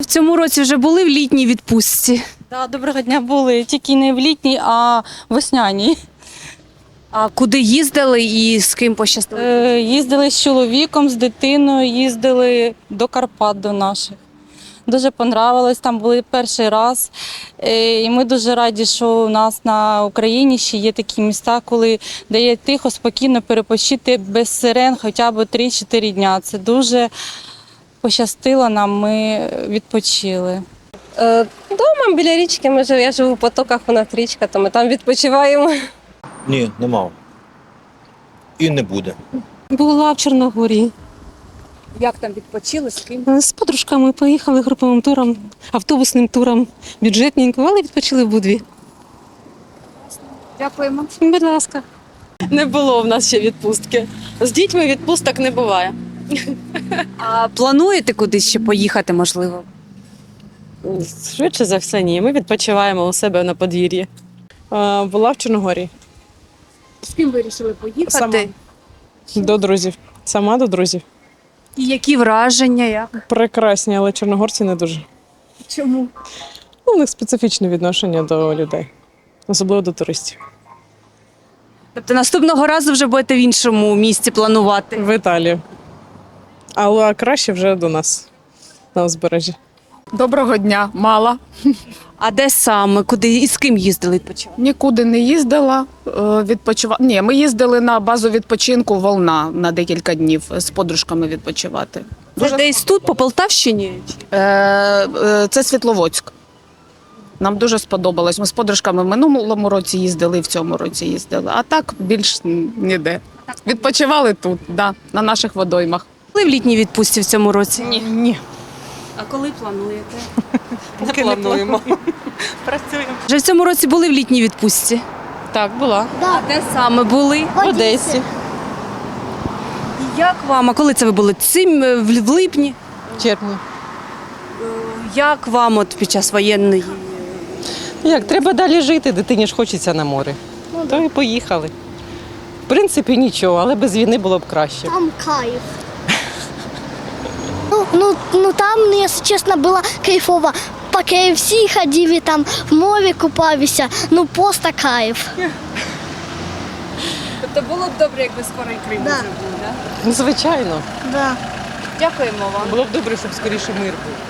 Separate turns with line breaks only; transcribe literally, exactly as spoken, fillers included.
цьому році вже були в літній відпустці?
Да, доброго дня, були. Тільки не в літній, а весняній.
А куди їздили і з ким пощастило?
Е, їздили з чоловіком, з дитиною, їздили до Карпат до наших. Дуже понравилось, там були перший раз. Е, і ми дуже раді, що у нас на Україні ще є такі міста, коли де є тихо, спокійно перепочити без сирен хоча б три-чотири дня. Це дуже пощастило нам, ми відпочили.
Е, Дома біля річки, ми жив, я живу в Потоках, у нас річка, то ми там відпочиваємо.
Ні, не мав. І не буде.
Була в Чорногорії.
Як там відпочили, з ким?
З подружками поїхали груповим туром, автобусним туром, бюджетненько, але відпочили в Будві.
Дякуємо.
Будь ласка.
Не було в нас ще відпустки. З дітьми відпусток не буває.
А плануєте кудись ще поїхати, можливо?
Швидше за все, ні. Ми відпочиваємо у себе на подвір'ї.
Е, Була в Чорногорії.
З ким вирішили поїхати?
Сама. До друзів. Сама до друзів.
І які враження, як?
Прекрасні, але чорногорці не дуже.
Чому?
Ну, у них специфічне відношення до людей, особливо до туристів.
Тобто наступного разу вже будете в іншому місці планувати?
В Італію. Але краще вже до нас, на узбережжі.
Доброго дня, мала.
А де саме? Куди і з ким їздили відпочивати?
Нікуди не їздила. Відпочивати. Ні, ми їздили на базу відпочинку Волна на декілька днів з подружками відпочивати.
Це десь тут, по Полтавщині?
Е, е, Це Світловодськ. Нам дуже сподобалось. Ми з подружками в минулому році їздили, і в цьому році їздили. А так більш ніде. Відпочивали тут, да, на наших водоймах.
Були в літній відпустці в цьому році?
Ні. Ні.
А коли плануєте?
Не плануємо. Працюємо.
Вже в цьому році були в літній відпустці?
Так, була.
А де саме були?
В Одесі.
І як вам? А коли це ви були? Цим е, в в липні?
В червні.
Як вам от під час воєнної?
Як, треба далі жити, дитині ж хочеться на море. То і поїхали. В принципі, нічого, але без війни було б краще.
Там кайф. Ну, ну, ну там, ну, если честно, было кайфово. По кей еф сі ходили, там в морі купалися. Ну просто кайф.
Тобто було б добре, якби скоро і Крим
Да.
вже був, так?
Ну, звичайно.
Да.
Дякуємо вам.
Було б добре, щоб скоріше мир був.